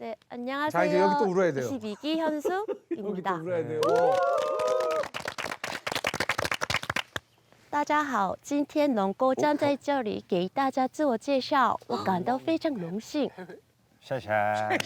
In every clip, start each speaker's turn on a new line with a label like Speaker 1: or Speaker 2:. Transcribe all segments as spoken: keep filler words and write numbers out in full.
Speaker 1: 네, 안녕하세요.
Speaker 2: 자, 이제 여기 또 울어야 돼요.
Speaker 1: 이십이 기
Speaker 2: 여기 또
Speaker 1: 현숙입니다.
Speaker 2: 울어야 돼요.
Speaker 1: 大家好，今天能够站在这里给大家自我介绍，我感到非常荣幸。
Speaker 3: 谢谢。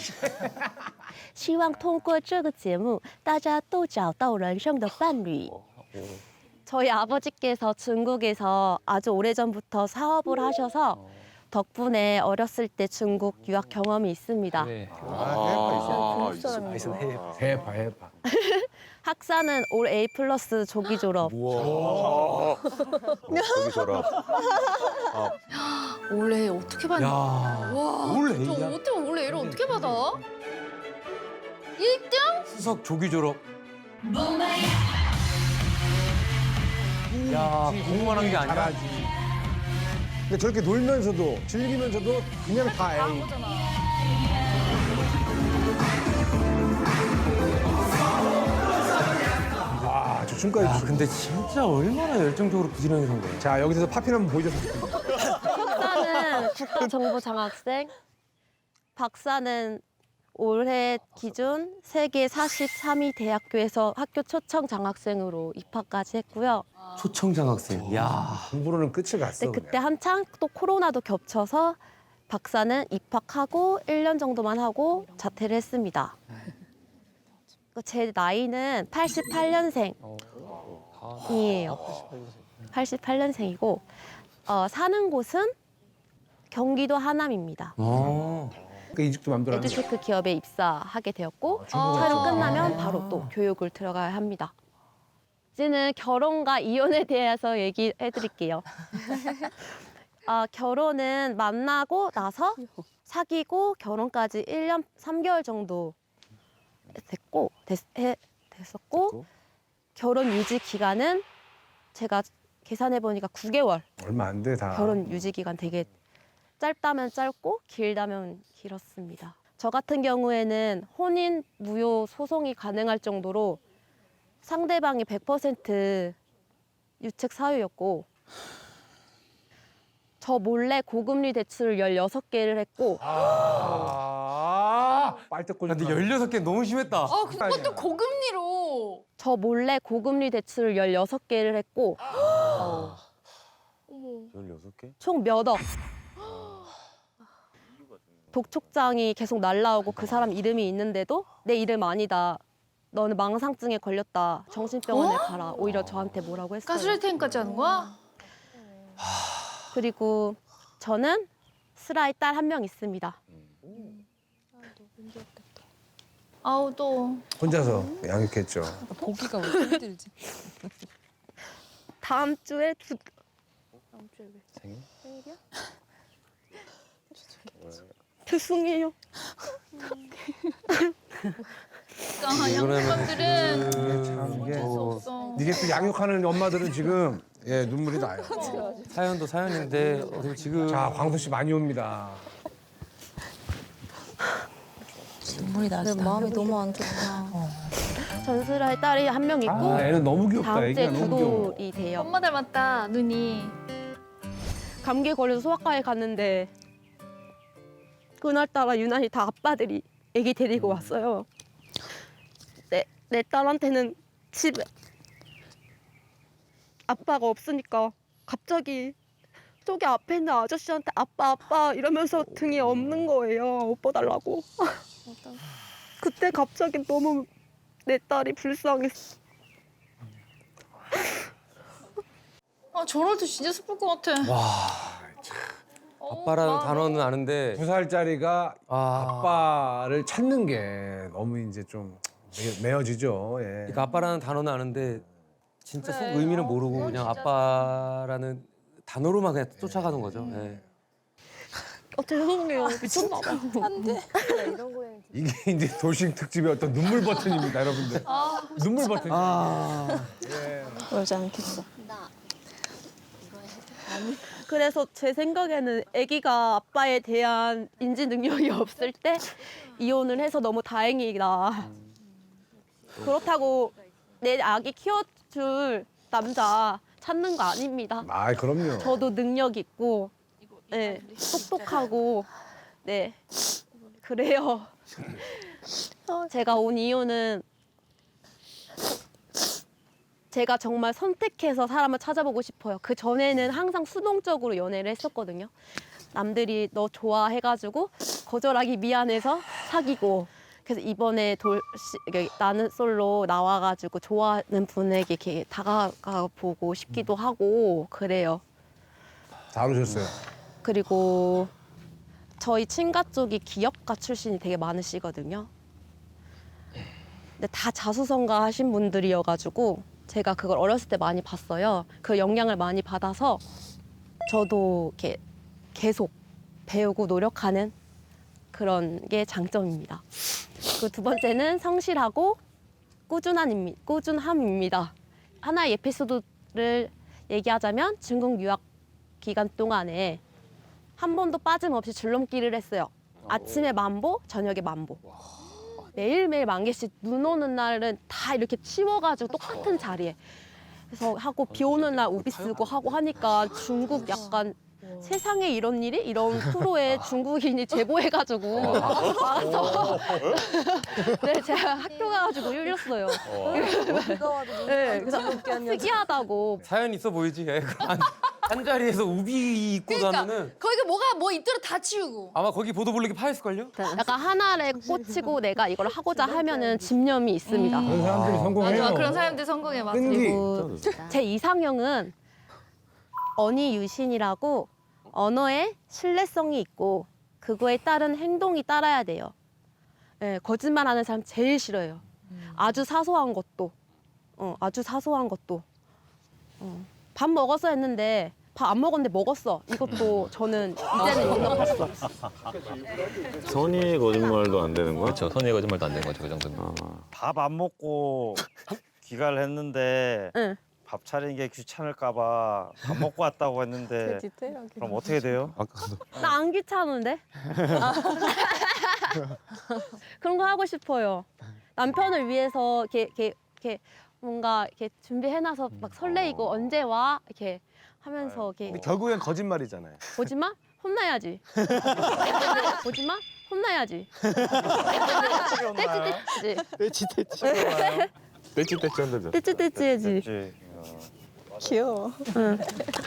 Speaker 1: 希望通过这个节目，大家都找到人生的伴侣。 저희 아버지께서 중국에서 아주 오래전부터 사업을 하셔서 덕분에 어렸을 때 중국 유학 경험이 있습니다.
Speaker 2: 네.
Speaker 3: 아,
Speaker 2: 해봐, 해봐.
Speaker 1: 학사는 올 A 플러스 조기 졸업.
Speaker 3: 우와. 저기 저라.
Speaker 4: 원래 어떻게 받냐? 와,
Speaker 2: 올
Speaker 4: 저
Speaker 2: A야?
Speaker 4: 어떻게 원래 애를 어떻게 받아? 일 등?
Speaker 5: 수석 조기 졸업. 야, 공부만 한 게 아니라.
Speaker 2: 잘하지. 근데 저렇게 놀면서도 즐기면서도 그냥 다
Speaker 4: 다 한
Speaker 2: A.
Speaker 4: 거잖아.
Speaker 2: 와, 저 춤까지.
Speaker 5: 야,
Speaker 2: 추고.
Speaker 5: 근데 진짜 얼마나 열정적으로 부지런히 산 거야.
Speaker 2: 자, 여기서 파핀 한번 보여줬으면 좋겠다.
Speaker 1: 석사는 국가정보장학생, 박사는 올해 기준 세계 사십삼 위 대학교에서 학교 초청 장학생으로 입학까지 했고요.
Speaker 5: 초청장학생. 야.
Speaker 2: 공부로는 끝을 갔어.
Speaker 1: 근데 그때
Speaker 2: 그냥.
Speaker 1: 한창 또 코로나도 겹쳐서 박사는 입학하고 일 년 정도만 하고 자퇴를 했습니다. 제 나이는 팔십팔 년생이에요. 팔십팔 년생이고 어, 사는 곳은 경기도 하남입니다.
Speaker 5: 어.
Speaker 2: 그 이직도 맘대로 하는 거야.
Speaker 1: 에듀테크 기업에 입사하게 되었고
Speaker 4: 아,
Speaker 1: 촬영 끝나면 바로 또 교육을 들어가야 합니다. 이제는 결혼과 이혼에 대해서 얘기해 드릴게요. 아, 결혼은 만나고 나서 사귀고 결혼까지 일 년 삼 개월 정도 됐고 됐, 해, 됐었고 결혼 유지 기간은 제가 계산해 보니까 구 개월.
Speaker 2: 얼마 안 돼, 다.
Speaker 1: 결혼 유지 기간 되게 짧다면 짧고 길다면 길었습니다. 저 같은 경우에는 혼인 무효 소송이 가능할 정도로 상대방이 백 퍼센트 유책 사유였고 저 몰래 고금리 대출을 열여섯 개를 했고
Speaker 2: 아, 빨대꼴.
Speaker 5: 근데 열여섯 개 너무 심했다.
Speaker 4: 아, 그것도 고금리로.
Speaker 1: 저 몰래 고금리 대출을 열여섯 개를 했고
Speaker 3: 열여섯 개?
Speaker 1: 총 몇 억. 독촉장이 계속 날라오고 그 사람 이름이 있는데도 내 이름 아니다. 너는 망상증에 걸렸다. 정신병원에 가라. 오히려 저한테 뭐라고 했어요.
Speaker 4: 가스라이팅까지 하는 거야?
Speaker 1: 그리고 저는 슬아의 딸 한 명 있습니다.
Speaker 4: 아우 또.
Speaker 2: 혼자서 양육했죠.
Speaker 6: 보기가 왜 이렇게 힘들지?
Speaker 1: 다음 주에 두
Speaker 3: 생일?
Speaker 1: 죄송해요.
Speaker 4: 아, 양육감들은
Speaker 2: 참 이게.
Speaker 4: 어쩔 수 없어.
Speaker 2: 이게 또 양육하는 엄마들은 지금 예 눈물이 나요.
Speaker 5: 사연도 사연인데 어떻게 지금
Speaker 2: 자, 광수 씨 많이 옵니다.
Speaker 6: 눈물이 나지. 마음이 너무 안 좋다.
Speaker 1: 전슬아의 딸이 한 명 있고
Speaker 2: 아, 애는 너무 귀엽다.
Speaker 1: 다음 주에
Speaker 2: 애기가
Speaker 1: 두
Speaker 2: 너무 귀여워.
Speaker 1: 돌이 돼요.
Speaker 4: 엄마 닮았다, 눈이.
Speaker 1: 감기에 걸려서 소아과에 갔는데 그날따라 유난히 다 아빠들이 애기 데리고 왔어요. 내, 내 딸한테는 집에 아빠가 없으니까 갑자기 저기 앞에 있는 아저씨한테 아빠 아빠 이러면서 등에 업는 거예요. 옷 벗달라고. 그때 갑자기 너무 내 딸이 불쌍했어.
Speaker 4: 아, 저럴 때 진짜 슬플 것 같아.
Speaker 5: 와,
Speaker 4: 어우,
Speaker 5: 아빠라는
Speaker 4: 마음이.
Speaker 5: 단어는 아는데
Speaker 2: 두 살짜리가
Speaker 5: 아,
Speaker 2: 아빠를 찾는 게 너무 이제 좀 매- 매어지죠. 예.
Speaker 5: 그러니까 아빠라는 단어는 아는데 진짜 속
Speaker 4: 그래.
Speaker 5: 의미는
Speaker 4: 어,
Speaker 5: 모르고
Speaker 4: 그건
Speaker 5: 그냥
Speaker 4: 진짜.
Speaker 5: 아빠라는 단어로만 그냥 쫓아가는 거죠. 예.
Speaker 1: 어, 죄송해요. 미쳤나 봐.
Speaker 2: 이게 이제 돌싱 특집의 어떤 눈물 버튼입니다, 여러분들. 눈물 버튼.
Speaker 5: 아,
Speaker 6: 울지 않겠어.
Speaker 1: 그래서 제 생각에는 아기가 아빠에 대한 인지 능력이 없을 때 이혼을 해서 너무 다행이다. 그렇다고 내 아기 키워줄 남자 찾는 거 아닙니다.
Speaker 2: 아, 그럼요.
Speaker 1: 저도 능력 있고, 네, 똑똑하고, 네, 그래요. 제가 온 이유는 제가 정말 선택해서 사람을 찾아보고 싶어요. 그 전에는 항상 수동적으로 연애를 했었거든요. 남들이 너 좋아해가지고 거절하기 미안해서 사귀고. 그래서 이번에 돌 시- 나는 솔로 나와가지고 좋아하는 분에게 이렇게 다가가 보고 싶기도 하고 그래요.
Speaker 2: 잘 오셨어요.
Speaker 1: 그리고 저희 친가 쪽이 기업가 출신이 되게 많으시거든요. 근데 다 자수성가 하신 분들이어가지고 제가 그걸 어렸을 때 많이 봤어요. 그 영향을 많이 받아서 저도 이렇게 계속 배우고 노력하는 그런 게 장점입니다. 그 두 번째는 성실하고 꾸준한, 꾸준함입니다. 하나의 에피소드를 얘기하자면 중국 유학 기간 동안에 한 번도 빠짐없이 줄넘기를 했어요. 아침에 만보, 저녁에 만보. 매일매일 만 개씩 눈 오는 날은 다 이렇게 치워가지고 똑같은 자리에. 그래서 하고 비 오는 날 우비 쓰고 하고 하니까 중국 약간 세상에 이런 일이? 이런 프로에 중국인이 제보해가지고 와서 네, 제가 학교 가가지고 울렸어요. 네, 그래서 특이하다고.
Speaker 5: 사연 있어 보이지? 애. 한, 한 자리에서 우비 입고
Speaker 4: 그러니까
Speaker 5: 다니는
Speaker 4: 거기가 뭐가 뭐 있더라 다 치우고.
Speaker 5: 아마 거기 보도블록이 파였을걸요?
Speaker 1: 약간 하나에 꽂히고 내가 이걸 하고자 하면은 집념이 있습니다.
Speaker 2: 그런 사람들이 성공해요.
Speaker 4: 맞아, 그런 사람들 성공해 맞아.
Speaker 2: 끈기.
Speaker 1: 그리고 제 이상형은 언니 유신이라고 언어에 신뢰성이 있고 그거에 따른 행동이 따라야 돼요. 네, 거짓말하는 사람 제일 싫어요. 아주 사소한 것도, 어, 아주 사소한 것도. 어, 밥 먹었어 했는데 밥 안 먹었는데 먹었어. 이것도 저는 이제는 용납할 수 없어.
Speaker 3: 선의의 거짓말도 안 되는 거야?
Speaker 7: 그렇죠. 선의의 거짓말도 안 되는 거죠. 그 정도면.
Speaker 8: 밥 안 먹고 귀가를 했는데
Speaker 1: 응.
Speaker 8: 밥 차리는 게 귀찮을까 봐 밥 먹고 왔다고 했는데 그럼 어떻게 돼요?
Speaker 1: 나 안 귀찮은데? 아. 그런 거 하고 싶어요. 남편을 위해서 이렇게, 이렇게, 이렇게 뭔가 이렇게 준비해놔서 막 설레이고 언제 와? 이렇게 하면서 이렇게
Speaker 9: 근데 결국엔 거짓말이잖아요.
Speaker 1: 보지 마? 혼나야지. 보지 마? 혼나야지. 떼찌떼찌지.
Speaker 9: 떼치 떼치.
Speaker 3: 떼찌떼찌 한다죠.
Speaker 1: 떼찌떼찌해지.
Speaker 8: 그치?
Speaker 6: 귀여워.
Speaker 1: 응.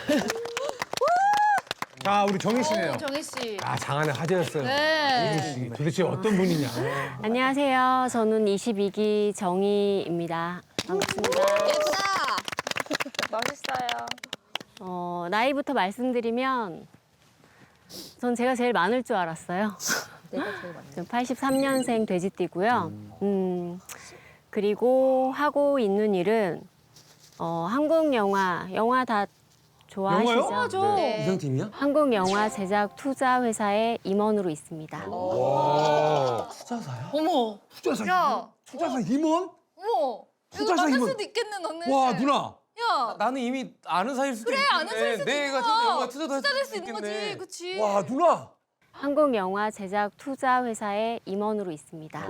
Speaker 2: 자, 우리 정희 씨네요.
Speaker 4: 오, 정희 씨.
Speaker 2: 아, 장안의 화제였어요.
Speaker 4: 네.
Speaker 2: 정희 씨. 도대체 어떤 분이냐.
Speaker 10: 안녕하세요. 저는 이십이 기 정희입니다. 반갑습니다.
Speaker 6: 예쁘다. 멋있어요.
Speaker 10: 어, 나이부터 말씀드리면 전 제가 제일 많을 줄 알았어요.
Speaker 6: 내가 제일 많이.
Speaker 10: 저 팔십삼 년생 돼지띠고요. 음, 그리고 하고 있는 일은 어, 한국 영화, 영화 다 좋아하시죠?
Speaker 2: 영화요?
Speaker 4: 맞아.
Speaker 6: 네.
Speaker 5: 이상팀이야?
Speaker 10: 한국 영화 제작 투자 회사의 임원으로 있습니다.
Speaker 5: 투자사야?
Speaker 4: 어머.
Speaker 2: 투자사
Speaker 4: 야.
Speaker 2: 투자사 임원?
Speaker 4: 어머. 이거
Speaker 2: 투자사
Speaker 4: 맞을
Speaker 2: 임원.
Speaker 4: 수도 있겠네 너는.
Speaker 2: 와, 누나.
Speaker 4: 야.
Speaker 5: 나는 이미 아는 사이일 수도
Speaker 4: 그래
Speaker 5: 있겠네.
Speaker 4: 아는 사이일 수도
Speaker 5: 내가
Speaker 4: 있구나.
Speaker 5: 영화 투자도 할
Speaker 4: 투자될 수
Speaker 5: 수도
Speaker 4: 있는
Speaker 5: 있겠네.
Speaker 4: 거지. 그치.
Speaker 2: 와, 누나.
Speaker 10: 한국 영화 제작 투자 회사의 임원으로 있습니다.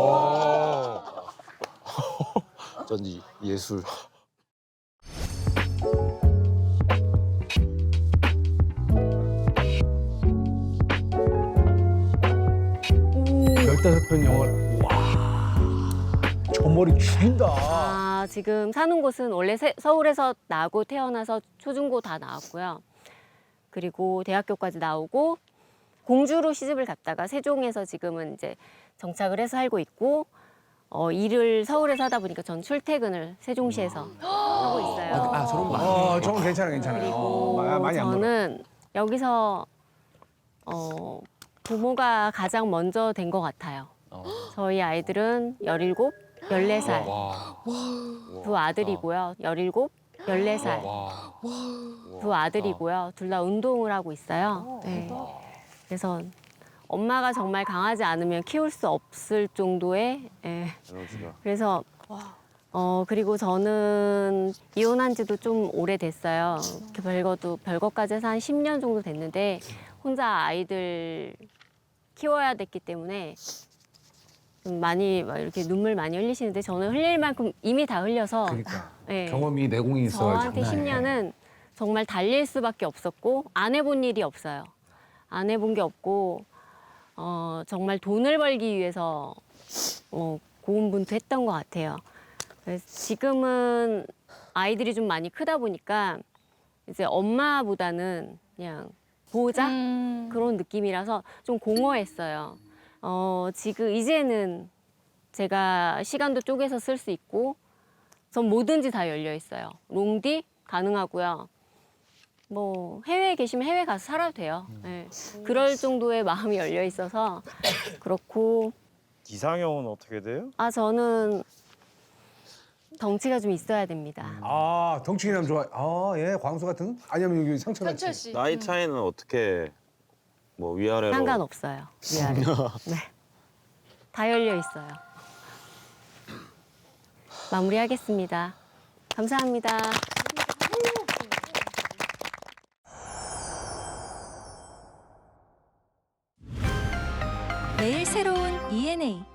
Speaker 3: 어쩐지 예술.
Speaker 2: 열다섯 편 영화를. 와. 저 머리 죽인다.
Speaker 10: 아, 지금 사는 곳은 원래 세- 서울에서 나고 태어나서 초중고 다 나왔고요. 그리고 대학교까지 나오고 공주로 시집을 갔다가 세종에서 지금은 이제 정착을 해서 살고 있고 어, 일을 서울에서 하다 보니까 전 출퇴근을 세종시에서 하고 있어요.
Speaker 5: 아, 아, 저런 말.
Speaker 2: 어, 저건 괜찮아, 괜찮아요.
Speaker 10: 그리고
Speaker 2: 어, 마- 많이 안 멀어.
Speaker 10: 저는 여기서 어, 부모가 가장 먼저 된 것 같아요.
Speaker 7: 어.
Speaker 10: 저희 아이들은 열일곱, 열네 살.
Speaker 7: 와.
Speaker 10: 두 아들이고요. 열일곱, 열네 살.
Speaker 7: 와.
Speaker 10: 두 아들이고요. 둘 다 운동을 하고 있어요. 네. 그래서 엄마가 정말 강하지 않으면 키울 수 없을 정도의 예.
Speaker 3: 에너지가.
Speaker 10: 그래서 어 그리고 저는 이혼한 지도 좀 오래됐어요. 그 별거도 별거까지 해서 한 십 년 정도 됐는데 혼자 아이들 키워야 됐기 때문에 좀 많이 막 이렇게 눈물 많이 흘리시는데 저는 흘릴 만큼 이미 다 흘려서
Speaker 2: 그러니까
Speaker 10: 예.
Speaker 2: 경험이 내공이 있어.
Speaker 10: 저한테 십 년은 정말 달릴 수밖에 없었고 안 해본 일이 없어요. 안 해본 게 없고 어, 정말 돈을 벌기 위해서 어, 고군분투했던 것 같아요. 그래서 지금은 아이들이 좀 많이 크다 보니까 이제 엄마보다는 그냥 보호자
Speaker 4: 음.
Speaker 10: 그런 느낌이라서 좀 공허했어요. 어, 지금 이제는 제가 시간도 쪼개서 쓸 수 있고 전 뭐든지 다 열려 있어요. 롱디 가능하고요. 뭐 해외에 계시면 해외 가서 살아도 돼요. 네. 그럴 정도의 마음이 열려 있어서 그렇고
Speaker 8: 이상형은 어떻게 돼요?
Speaker 10: 아 저는 덩치가 좀 있어야 됩니다.
Speaker 2: 아 덩치기남 좋아. 아예 광수 같은? 아니면 여기 상철 같이.
Speaker 4: 현철 씨.
Speaker 3: 나이 차이는 어떻게 뭐 위아래로?
Speaker 10: 상관없어요. 위아래. 네. 다 열려 있어요. 마무리하겠습니다. 감사합니다.
Speaker 9: 매일 새로운 이엔에이